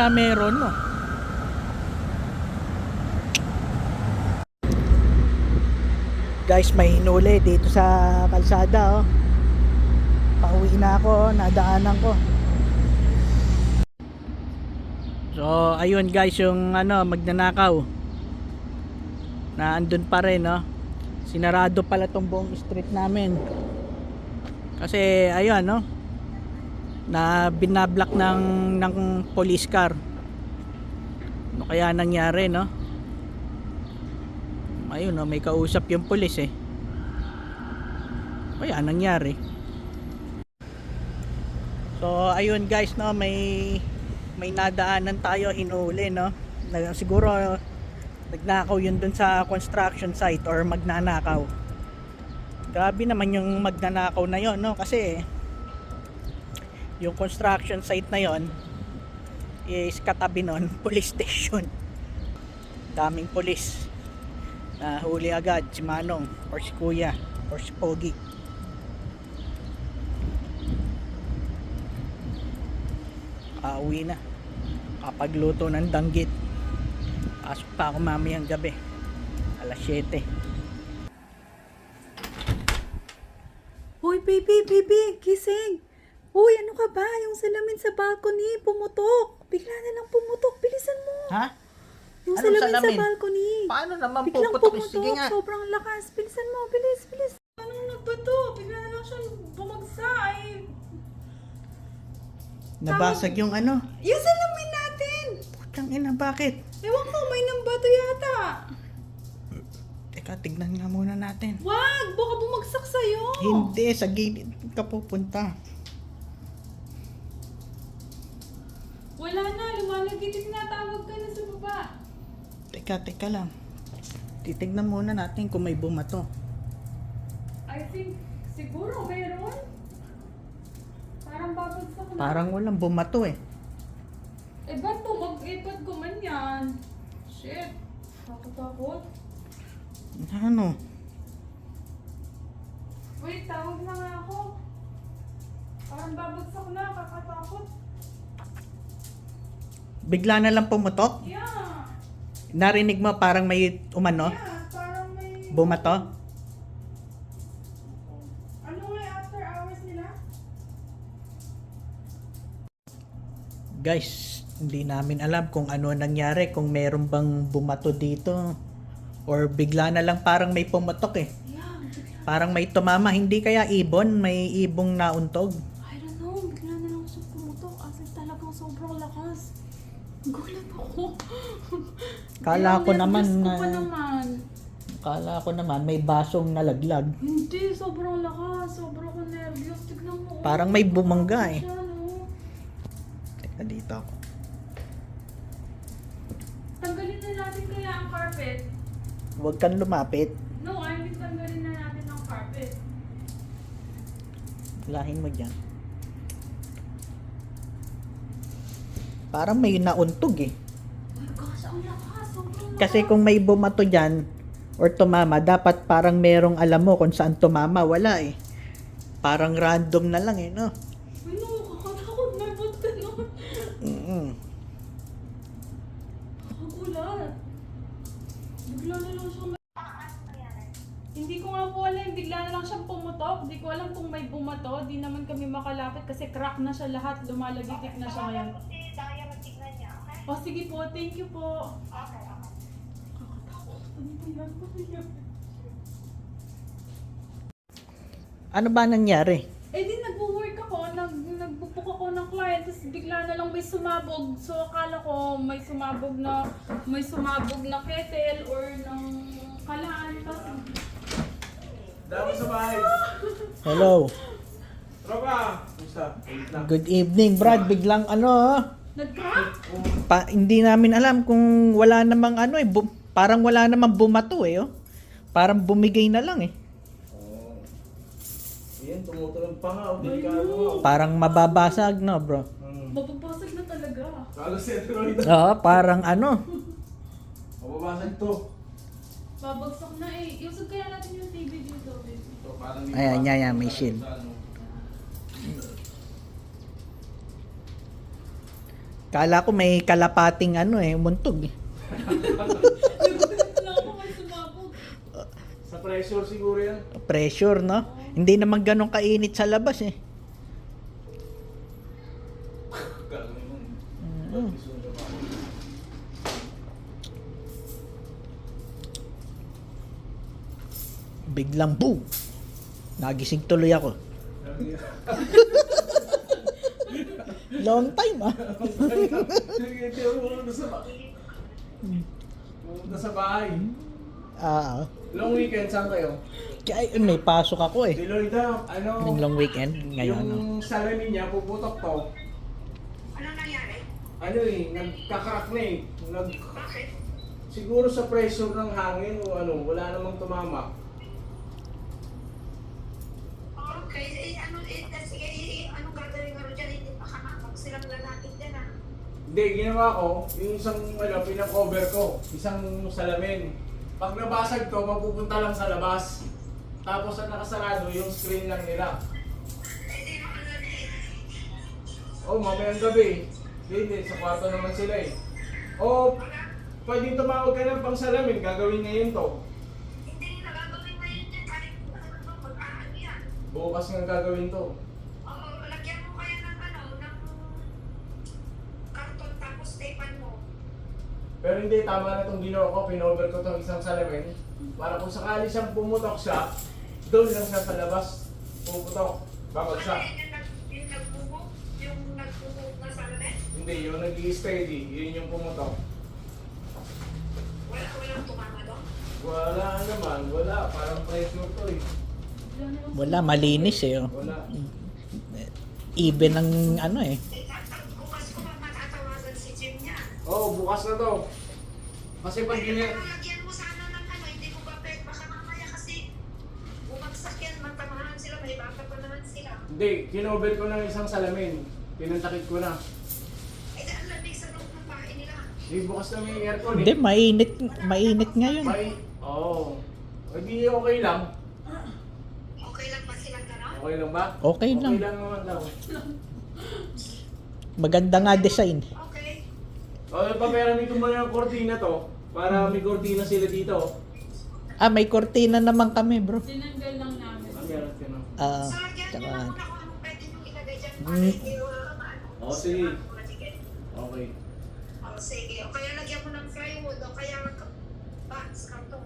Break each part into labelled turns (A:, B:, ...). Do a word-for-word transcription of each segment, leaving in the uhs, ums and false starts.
A: kaya meron, no? Guys, may hinuli dito sa kalsada, oh. Pauwi na ako, oh. Nadaanan ko. So, ayun guys, yung ano, magnanakaw. Na andun pa rin, no? Sinarado pala tong buong street namin. Kasi, ayun, no? Na binablock ng, ng police car. Ano kaya nangyari, no? Ayun, no? May kausap yung police, eh. Kaya nangyari. So, ayun guys, no? May... may nadaanan tayo, hinuli, no? Siguro nagnakaw yun dun sa construction site or magnanakaw. Grabe naman yung magnanakaw na yon, no? Kasi yung construction site na yon is katabi nun police station. Daming police. Na huli agad si Manong or si Kuya or si Pogi. Pauwi na. Kapagluto ng danggit. Pasok pa ako mamayang gabi. alas siyete.
B: Hoy, baby, baby, gising. Hoy, ano ka ba? Yung salamin sa balcony, pumutok. Bigla na lang pumutok. Bilisan mo.
A: Ha?
B: Yung
A: Anong
B: salamin,
A: salamin?
B: sa balcony.
A: Paano naman
B: Biglang
A: puputok?
B: pumutok.
A: Sige nga.
B: Sobrang lakas. Bilisan mo. Bilis, bilis. Anong nagbato? Bigla na lang siya bumagsa. Ay,
A: Nabasag yung ano.
B: yung salamin natin.
A: Putang ina, bakit?
B: Ewan ko, may nambato yata.
A: Teka, tignan nga muna natin.
B: Wag, baka bumagsak sa'yo.
A: Hindi, sa gilid ka pupunta.
B: Wala na, lumalagit. Tinatawag ka na sa baba.
A: Teka, teka lang. Titignan muna natin kung may bumato.
B: I think, siguro mayroon. Parang babagsak na.
A: Parang walang bumato eh.
B: Eh, ba't to? Mag-ipad ko man yan. Shit. Nakatakot.
A: Ano?
B: Wait, tawag na nga ako. Parang babagsak na. Kakatakot.
A: Bigla na lang pumutok?
B: Yeah.
A: Narinig mo parang may umano?
B: Yeah, parang may...
A: Bumato?
B: Ano nga yung after hours nila?
A: Guys, hindi namin alam kung ano nangyari, kung meron bang bumato dito or bigla na lang parang may pumutok eh.
B: Yeah, bigla.
A: Parang may tumama, hindi kaya ibon, may ibong nauntog.
B: I don't know. Bigla na lang siya pumutok. As in talagang sobrang lakas. Gulat ako.
A: Kala ko
B: Yung
A: naman
B: nervous ko
A: na-
B: pa naman.
A: Kala ko naman may basong nalaglag.
B: Hindi, sobrang lakas. Sobrang ko nervyos. Tignan mo.
A: Parang may bumangga eh.
B: Siya, no?
A: Teka, dito ako.
B: Tanggalin na natin kaya ang carpet.
A: Huwag kang lumapit.
B: No, I mean tanggalin na natin ang carpet.
A: Lahin mo dyan. Parang may nauntog eh.
B: Oh my gosh, ang lakas. Sobrang lakas.
A: Kasi kung may bumato dyan or tumama, dapat parang merong alam mo kung saan tumama. Wala eh. Parang random na lang eh, no?
B: Uy, no, kakatakot. May ba't ganun?
A: Mm-mm.
B: Kakagulat. Bigla na lang siya may... Hindi ko nga po alam. Bigla na lang siyang pumutok. Hindi ko alam kung may bumato. Di naman kami makalapit kasi crack na siya lahat. Lumalagitik na siya ngayon. O sige po, thank you po. Okay, okay. Kakatakot. Ano ba yan? Ano ba yan?
A: Ano ba nangyari?
B: Eh di nagwo-work ako, nag nagbubuk ako ng client, tapos bigla na lang may sumabog. So akala ko may sumabog na may sumabog na kettle or ng kalaan. Tapos
C: Dami sa bahay.
A: Hello.
C: Tropa! Kumusta? Wait lang.
A: Good evening, Brad. Biglang ano, ah,
B: nag-crack?
A: pa, hindi namin alam kung wala namang ano eh. Bu- parang wala namang bumato eh. Oh. Parang bumigay na lang eh.
C: Oh. Ayan, tumutulong pa nga. O, delikado.
A: Parang mababasag, no, bro?
C: Hmm.
B: Mapapasag na talaga.
C: Kala si Ateroid.
A: Oo, parang ano.
C: Mababasag to.
B: Babagsak na eh. Iusog kaya natin yung T V dito. Baby.
C: So, parang
A: Ayan, yan, yan, may shield.
C: Sa ano.
A: Kala ko may kalapating ano eh, muntog eh.
B: Wala ko may sumabog.
C: Sa pressure siguro yan.
A: Pressure, no? Hindi naman ganun kainit sa labas eh.
C: Gagawin mo.
A: Mm. Biglang boom! Nagising tuloy ako. Long time ah.
C: Pumunta sa bahay. Pumunta sa bahay.
A: Ah,
C: Long weekend, saan kayo?
A: kaya may pasok ako eh.
C: Si Lloyda, ano?
A: Yung long weekend ngayon. No?
C: Yung salamin niya, puputok to.
D: Ano nangyari?
C: Ano eh, nagkakrak na eh. Nag...
D: Bakit?
C: Siguro sa pressure ng hangin o ano, wala namang tumama.
D: Okay, eh, ano, eh, sige, eh, eh, anong gagawin ko rin dyan? Hindi pa kamamag silang lalaki dyan ah.
C: Hindi, ginawa ko, yung isang ano, pinakover ko, isang salamin. Pag nabasag to, mapupunta lang sa labas. Tapos ang nakasarado, yung screen lang nila.
D: Hindi mo ano eh.
C: Oh, mamayang gabi. Hindi, sa kwarto naman sila eh. Oh, pwedeng tumawag ka ng pang salamin, gagawin ngayon to.
D: Hindi nila gagawin ngayon dyan. Kahit ano, mag-aano yan.
C: Bukas nga gagawin to.
D: O, lagyan mo kaya ng ano, ng karton tapos tapean mo.
C: Pero hindi, tama na itong ginawa ko, pinover ko itong isang salamin. Para kung sakali siyang pumutok siya, doon lang siya sa labas. Pumutok, babagsak.
D: Ano yun, yung, nag, yung nagbubog? Yung nagbubog na salamin?
C: Hindi, yung nag-i-steady, yun yung pumutok.
D: Wala, walang tumama doon?
C: Wala naman, wala. Parang pressure to eh.
A: Wala, malinis eh. Oh.
C: Wala.
A: Even ang ano eh.
D: Eh, tatag- bukas ko ba matatawagan si Jim niya?
C: Oo, oh, bukas na to. Kasi pag
D: Ay,
C: gina...
D: pero lagyan mo sana ng ano, hindi mo ba pwede, baka mamaya kasi bumagsak yan, matamahan sila, may bata pa naman sila.
C: Hindi, kinover ko ng isang salamin. Pinantakit ko na.
D: Eh, dahil lamig sa loob ng bahay nila.
C: Hindi, bukas na may aircon eh.
A: Hindi, mainit, mainit ngayon.
C: May... Oo. Oh. Hindi okay lang.
D: Okay lang ba silang gano'n?
C: Okay lang ba?
A: Okay lang.
C: Okay lang naman daw.
A: Maganda nga design.
D: Okay.
C: O, oh, paperami ko muna ng kortina to. Para may kortina sila dito.
A: Ah, may kortina naman kami, bro.
B: Tinanggal lang namin.
C: Ang meron ka na.
A: Ah,
D: So, lagyan
A: tsaka,
D: nyo na muna kung anong pwede nyo ilagay dyan para
A: Mm.
D: hindi uh, maano.
C: Oh, sige.
D: Matigil.
C: Okay.
D: Oh, sige. O kaya lagyan mo ng plywood o kaya box, karton.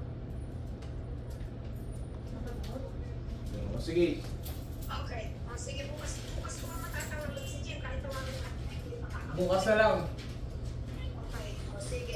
C: O, sige.
D: Okay. O, sige, bukas, bukas ko pa matatawagan si Jim kahit tawagan natin hindi makakapag.
C: Bukas na lang.
D: Okay. O, sige.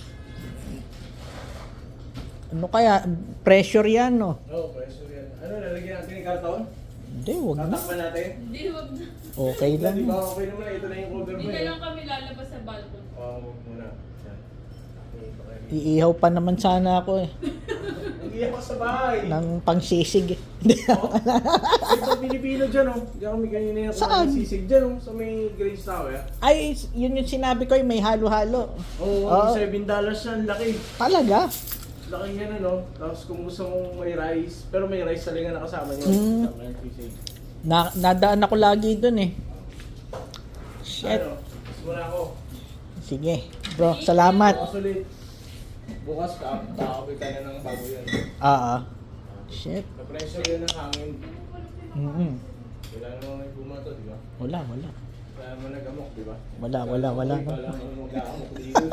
A: ano kaya, pressure yan, no?
C: Oo, oh, pressure yan. Ano, lalagyan natin yung karton?
A: Hindi, wag na.
C: Tatakpan natin?
B: Hindi, wag na.
A: Okay lang.
C: Di ba okay naman? Ito na yung cover
B: Hindi
C: mo
B: na
C: eh.
B: lang kami lalabas sa balcony.
C: Oo, oh, wag muna. Yan. Okay, okay.
A: Iihaw pa naman sana ako eh.
C: Nag-iyak ka sa bahay.
A: Ng pangsisig eh. Hindi.
C: Ito Pilipino dyan oh. Diyan kami kanina yung
A: Saan?
C: sisig dyan oh. Sa may Grace Tower.
A: Ay, yun yung sinabi ko, eh, may halo-halo.
C: Oo,
A: Oo.
C: oh, seven dollars yan. Laki.
A: Talaga?
C: Laki yan ano. Tapos kung gusto mong may rice. Pero may rice talaga na kasama niya.
A: Mm.
C: Kasama yung sisig.
A: Na, nadaan ako lagi dun eh. Shit.
C: Ano? Gusto mo na ako.
A: Sige, bro, salamat.
C: Bukas ulit. Bukas ka. Kakapit tayo ng bago yan.
A: Ah, ah. Shit.
C: Na-pressure yan ng hangin.
A: Mm-mm.
C: Wala namang may bumato, di ba?
A: Wala, wala.
C: Wala naman nag-amok, di ba?
A: Wala, wala, wala.
C: Uy,
A: No?
C: wala naman mag-aamok dito.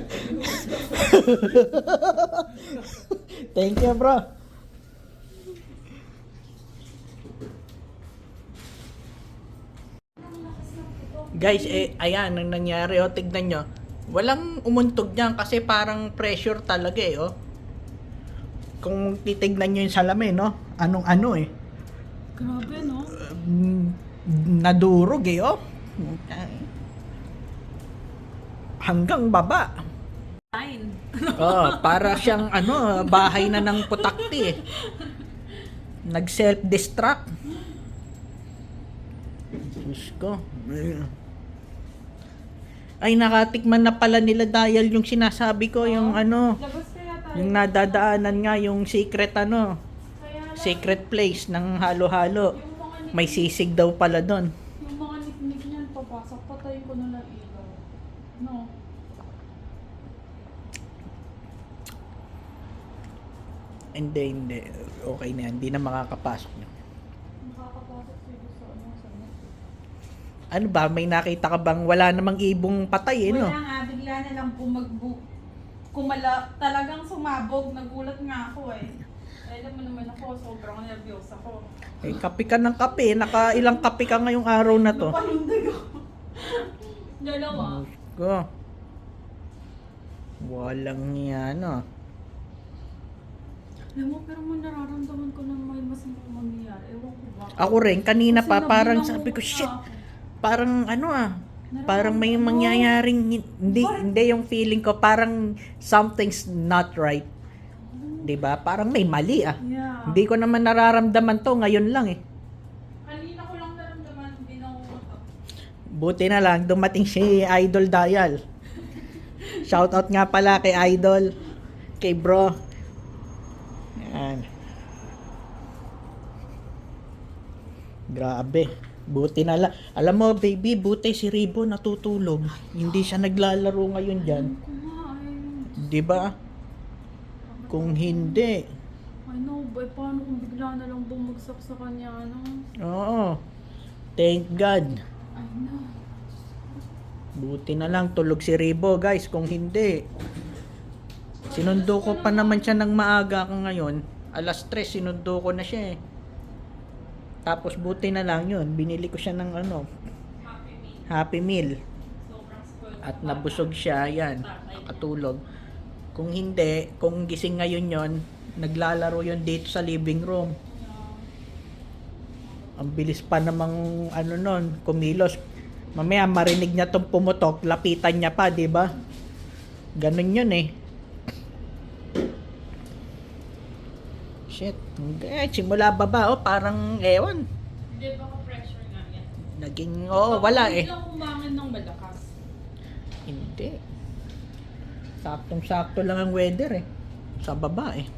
A: Thank you, bro. Guys, eh, ayan, ang nangyari, oh, tignan nyo. Walang umuntog niyan kasi parang pressure talaga eh, oh. Kung titignan nyo yung salamin, no? Anong ano eh.
B: Grabe, no?
A: Um, nadurog eh, oh. Hanggang baba.
B: Fine.
A: Oh, para siyang ano, bahay na ng putakti eh. Nag self-destruct. Diyos ko. Ay, nakatikman na pala nila dahil yung sinasabi ko, yung ano,
B: Labas kaya tayo.
A: yung nadadaanan nga, yung secret ano,
B: Kaya lang,
A: secret place ng halo-halo.
B: yung mga nik-
A: May sisig daw pala doon.
B: yung mga niknik niyan, papasok, patayin ko na lang ilaw. No.
A: Hindi, hindi. Okay na yan. Hindi na makakapasok na.
B: Nakakapasok sila sa ano, sa ano.
A: Ano ba? May nakita ka bang wala namang ibong patay eh, no?
B: Wala nga, bigla na lang bumagbu. Kumala, talagang sumabog. Nagulat nga ako eh. Eh, alam mo naman ako, sobrang nervyos ako.
A: Eh, kape ka ng kape. Naka ilang kape ka ngayong araw na to.
B: Napalundag ako. Dalawa.
A: Ko. Walang yan, no?
B: Alam mo, pero mo nararamdaman ko na may masamang mangyayari. Ewan ko ba?
A: Ako rin, kanina
B: Kasi
A: pa parang
B: nabilang
A: sabi ko,
B: muna
A: shit,
B: ako.
A: parang ano ah, parang may
B: Nararamdaman mo.
A: mangyayaring, hindi,
B: Bakit?
A: hindi yung feeling ko, parang something's not right. 'Di ba? Parang may mali ah.
B: Yeah.
A: Hindi ko naman nararamdaman to, ngayon lang eh.
B: Kanina ko lang naramdaman, binanguto.
A: Buti na lang, dumating si Idol Dial. Shoutout nga pala kay Idol, kay bro. Yan. Grabe. Buti na lang. Alam mo, baby, buti si Ribo natutulog. Hindi siya naglalaro ngayon dyan.
B: Ko nga, ay.
A: Di ba? Kung hindi.
B: I know, boy, paano kung bigla na lang bumagsak sa kanya, ano?
A: Oo. Thank God.
B: I know.
A: Buti na lang tulog si Ribo, guys. Kung hindi. Sinundo ko pa naman siya ng maaga ka ngayon. Alas tres, sinundo ko na siya eh. Tapos buti na lang yun. Binili ko siya ng ano,
B: Happy meal.
A: Happy Meal.
B: Sobrang spoiled.
A: At nabusog siya, yan, nakatulog. Kung hindi, kung gising ngayon yon, naglalaro yon dito sa living room. Ang bilis pa namang ano nun, kumilos. Mamaya marinig niya tong pumutok, lapitan niya pa, di ba? Ganun yun eh. Shit. Eh, simula baba, oh, parang ewan.
B: Hindi, baka pressure nga yan.
A: Naging, oo, wala eh.
B: Biglang umangin ng malakas.
A: Hindi. Saktong-sakto lang ang weather eh. Sa baba eh.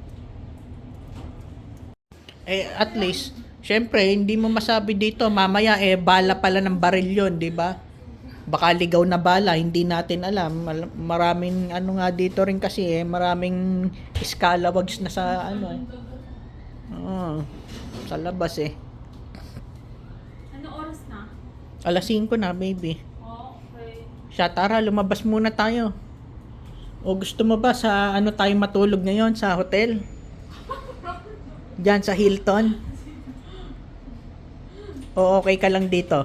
A: Eh, at least, syempre, hindi mo masabi dito, mamaya eh, bala pala ng baril yun, di ba? Baka ligaw na bala, hindi natin alam. Mal- Maraming, ano nga dito rin kasi eh, maraming scalawags na sa, ano eh. Oo, sa labas eh.
B: Ano oras na?
A: alas singko na, baby.
B: Oh, okay.
A: Siya, tara, lumabas muna tayo. O gusto mo ba sa ano tayo matulog ngayon sa hotel? Diyan sa Hilton? O okay ka lang dito?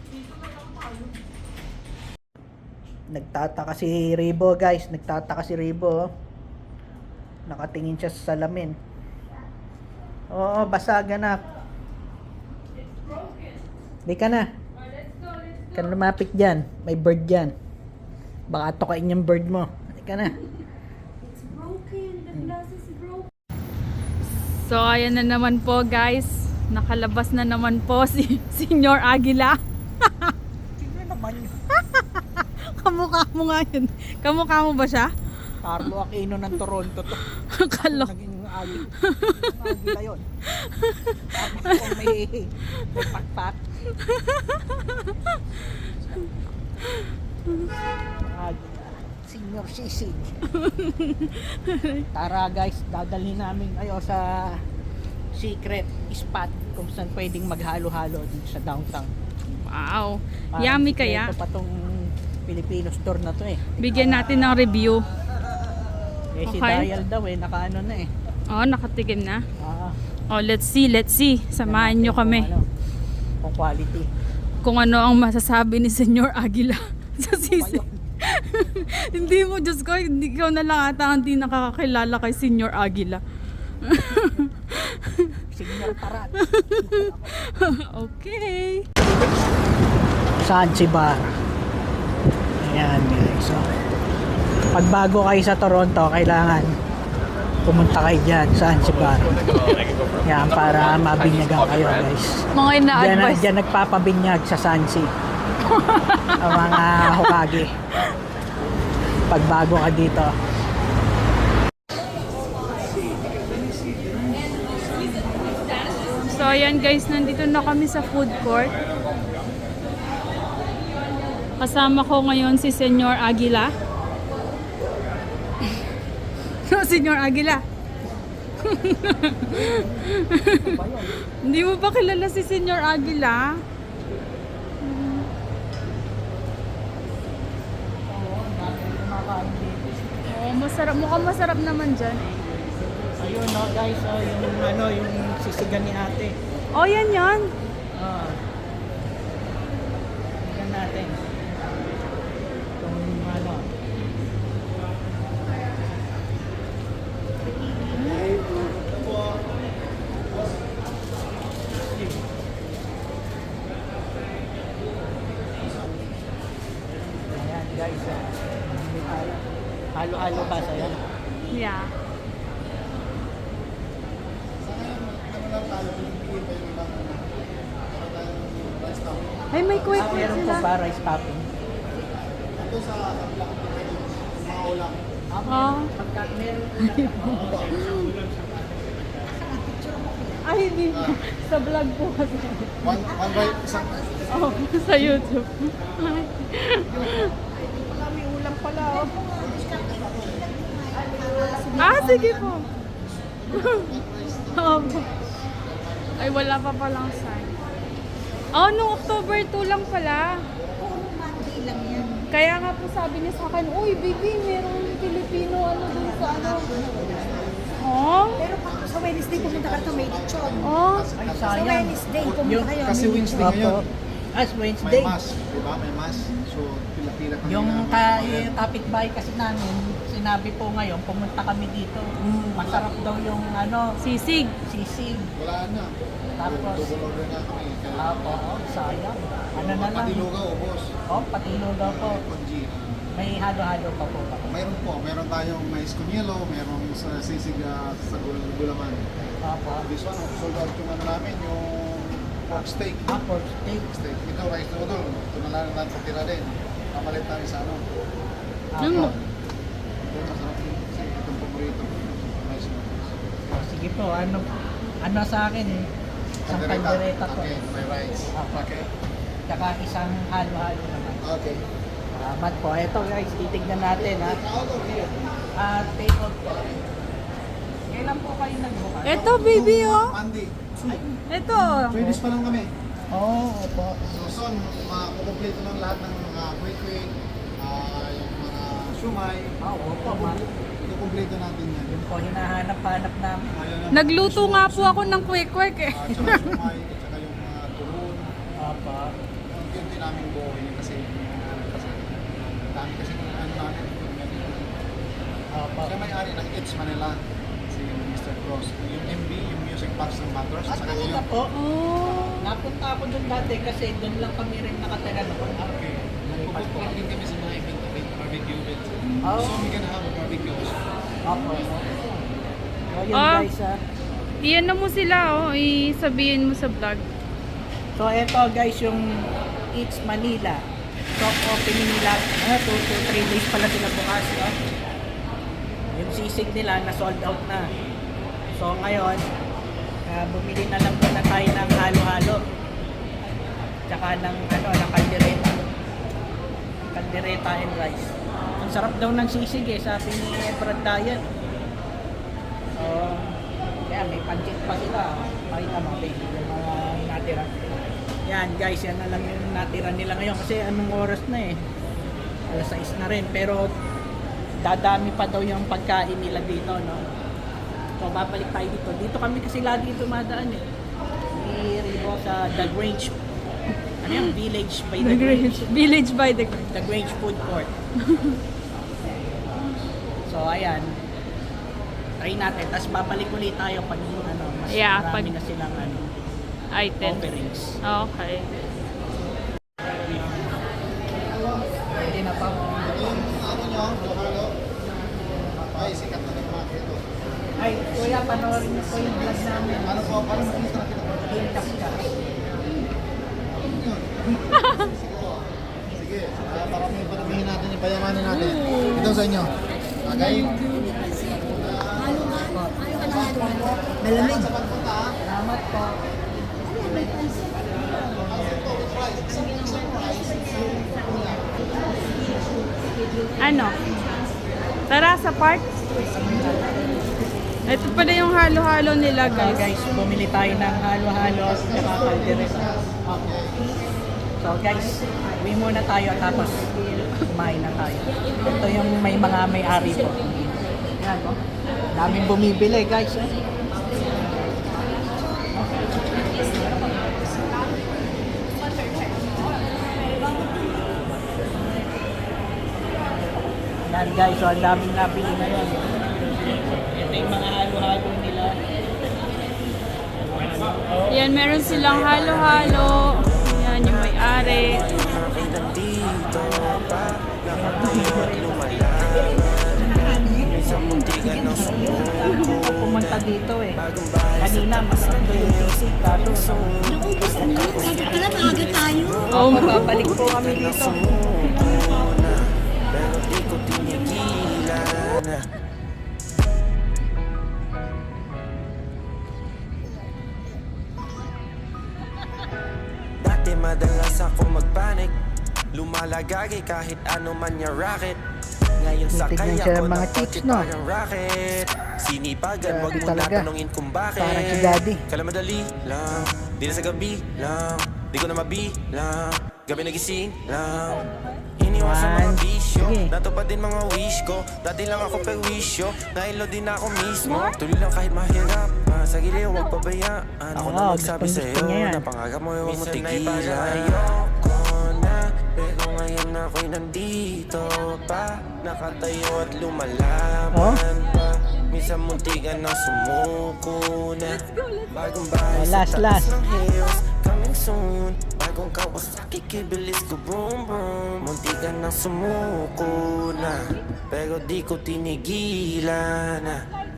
A: Nagtataka si Ribo, guys. Nagtataka si Ribo. oh. Nakatingin siya sa salamin. Oo, basag anak. Di ka na. Ka na lumapit dyan. May bird dyan. Baka tukain yung bird mo. Di ka na.
B: It's broken. The glass is broken. So, ayan na naman po, guys. Nakalabas na naman po si Senyor Aguila.
A: Tingnan naman yun.
B: Kamukha mo nga yun. Kamukha mo ba siya?
A: Carlo Aquino ng Toronto to.
B: Kalo.
A: Naging agi. Agi na yun. Tapos kung may, may pakpak. Agi na. Senior sisig. Tara guys, dadalhin namin kayo sa secret spot kung saan pwedeng maghalo-halo dito sa downtown.
B: Wow.
A: Parang
B: Yummy
A: sikreto
B: kaya.
A: pa tong Filipino store na to eh.
B: Bigyan natin ng review.
A: Eh si
B: Okay.
A: Dial daw eh, nakaano na eh.
B: Oh, nakatikim na.
A: Ah,
B: Oh, let's see, let's see. Samahan nyo kami.
A: Kung, ano, kung quality.
B: Kung ano ang masasabi ni Senyor Aguila sa sisi. Hindi mo, Diyos ko, hindi ikaw na lang ata hindi nakakakilala kay Senyor Aguila.
A: Senior Tarat.
B: Okay.
A: Zanzibar. Ayan guys. So, pag bago kayo sa Toronto, kailangan pumunta kayo dyan sa Zanzibar. Yan, para mabinyagan kayo guys.
B: Mga
A: Diyan,
B: ina-advise.
A: diyan nagpapabinyag sa Sansi. Ang mga Hokage. Pag bago ka dito.
B: So ayan guys, nandito na kami sa food court. Kasama ko ngayon si Senyor Aguila. No, Senyor Aguila. Hindi mo ba kilala si Senyor Aguila? Oo, masarap. Mukhang masarap naman dyan.
A: Ayun no guys, oh, yung ano, yung sisigan ni ate.
B: Oh, yan yan.
A: Ah. Tingnan natin. Itong ano. Ayan guys, ah. Bumili tayo. Halo-halo ba sa'yo?
B: Yeah. Ay, may quick
A: Ah,
B: quick
A: meron po
B: sila.
A: ba rice topping?
B: Oh.
A: Pagka meron
B: Ay, hindi po. Sa vlog po kasi.
C: One, one by isang...
B: Oh, sa YouTube.
A: may ulam pala oh.
B: Ah, sige po. Opo. Ay, wala pa palang sign. Oh, nung October two lang pala.
E: Monday lang yan.
B: Kaya nga po sabi niya sa akin, uy, baby, merong Pilipino ano dun sa ano. Oh?
E: Pero pag sa Wednesday pumunta ka to may lechon.
B: Oh?
A: Ay,
E: Sa
A: sayang.
E: Wednesday pumunta kayo.
C: Kasi
E: may
C: Wednesday
E: lechon.
C: ngayon.
A: As Wednesday.
C: May mass, di ba? May mass. So, pila-pila kami
A: Yung
C: na-
A: ka, yung kapitbahay kasi namin, sinabi po ngayon, pumunta kami dito. Masarap daw yung ano,
B: Sisig.
A: sisig.
C: Wala na.
A: Tapos,
C: Double order na kami. Kaya,
A: apo, oh, sayang. Ano na lang.
C: pati lugaw, ubos.
A: Oh, patilo daw po.
C: Konji.
A: May halo-halo pa po ba?
C: Mayroon po. Meron tayong mais con yelo, merong sa sisig ah, sa gul gulaman.
A: Apo.
C: This one, sold out yung ano namin, yung pork steak.
A: Ah, pork steak.
C: Steak. Ito, rice noodle. Ito na lang natin sa tira din. Pamalit namin sa ano.
A: Apo.
C: Ito, masarap din. Kasi itong paborito. Rice noodles.
A: Oh, sige po, ano, ano sa akin, isang kaldereta po.
C: Okay, may rice.
A: Apo.
C: Okay.
A: Tsaka isang halo-halo naman.
C: Okay.
A: Salamat po. Ito guys, titignan natin ha.
C: Out of here.
A: Ah, take out po. Kailan po kayo nagbukas?
B: Eto, baby, oh.
C: Monday.
B: Eto.
C: Three days pa lang kami.
A: Oo, oh, opo.
C: So soon, makukumpleto ng lahat ng mga quick-quick, ah, yung mga shumai.
A: Ah, opo, ma.
C: Ikukumpleto natin yan.
A: Yung po, hinahanap-hanap namin.
C: Ayun ang-
B: Nagluto nga po ako ng quick-quick eh.
C: Ah, tsaka shumai, tsaka yung mga turun.
A: Opo.
C: Unti-unti namin buhay kasi ano, kasi dami kasi ng ano namin.
A: Opo.
C: Siya may-ari ng It's Manila, si mister Cross. Yung M B, yung Music Box ng Batters.
A: At
C: Saka
A: talaga
C: yung
A: po,
B: Oh.
A: napunta ako doon dati kasi doon lang kami rin nakatira noon.
C: Nagpupunta din kami sa mga event, event, barbecue events.
A: Oh.
C: So we can have a barbecue also.
A: Opo. So yun
B: Ah.
A: guys ha.
B: Iyan na mo sila, oh. Isabihin mo sa vlog.
A: So eto guys yung It's Manila. Soft opening nila. Ah, two to three days pala sila bukas. No? Yung sisig nila na sold out na. So ngayon, ah, bumili na lang muna tayo ng halo-halo. Tsaka ng ano, ng kaldereta. Kaldereta and rice. Ang sarap daw ng sisig eh, sabi ni Brad Dayan. So, kaya may pancit pa sila. Pakita mo, baby, yung mga natira. Yan guys, yan na lang yung natira nila ngayon kasi anong oras na eh. alas sais na rin, pero dadami pa daw yung pagkain nila dito, no? So, babalik tayo dito. Dito kami kasi lagi dumadaan eh. Di Ribo sa The Grange. Ano yung Village by The,
B: The
A: Grange.
B: Grange. Village by the Grange.
A: The Grange Food Court. So, ayan. Try natin. Tapos babalik ulit tayo pag ano, mas
B: Yeah,
A: marami
B: pag-
A: na silang ano,
B: Item.
A: offerings.
B: Okay.
A: Hindi na pa.
C: Yung ano nyo, Johalo, ay sikat na ng mga ito.
A: Ay, kuya, panoorin niyo po yung vlog namin.
C: Ano po, paano makita kita po?
A: Hintas ka.
C: Yun. Sige, ah, para may paramihin natin, ipayamanin natin. Ito sa inyo. Okay?
E: Malamig.
C: Sa pagpunta, ha?
A: Salamat po.
C: Ano ito with rice? Isang isang rice, isang kuya.
B: Ano? Tara sa park. Ito pala yung halo-halo nila,
A: So
B: guys.
A: guys, bumili tayo ng halo-halo at saka kaldereta. So guys, uwi muna tayo tapos kumain na tayo. Ito yung may mga may-ari po. Yan, no? Daming bumibili guys. Eh. Yan guys, so ang daming nabili ngayon. Ito yung mga halo-halo nila.
B: Yan, meron silang halo-halo. Yan, yung may-ari.
A: Pumunta dito eh. Kanina, mas ito yung basic. Kaso,
E: Naubos na yun. Sabi pala, maaga tayo.
A: oh, mababalik po kami dito.
F: Dati madalas ako magpanik, lumalagagi kahit ano man yung racket. Ngayon sakay
A: Titignan siya
F: ako
A: ng mga
F: ng
A: chicks,
F: kotse
A: no?
F: parang rocket. Sinipagan, wag
A: Grabe
F: mo
A: talaga.
F: natanungin kung bakit.
A: Parang si Daddy.
F: Kala madali lang, di na sa gabi lang, di ko na mabilang, gabi nagising lang. Iniwasan mga
A: One.
F: bisyo,
A: Sige.
F: natupad din mga wish ko. Dati lang ako perwisyo, nailo din ako mismo. Tuloy lang kahit mahirap, ah, sa giliw huwag pabayaan. Ako
A: Oo,
F: na magsabi
A: gustong
F: sa'yo,
A: gusto niya yan.
F: na pangarap mo huwag mo tigilan. Ayoko na, pero ngayon ako'y nandito pa. Nakatayo at lumalaban pa. Minsan muntikan na sumuko na. Bagong bahay
A: Oh,
F: sa
A: last,
F: taas
A: last.
F: ng hills, coming soon. Bagong Kawasaki, kibilis ko boom boom. Muntikan na sumuko na, pero di ko tinigilan na.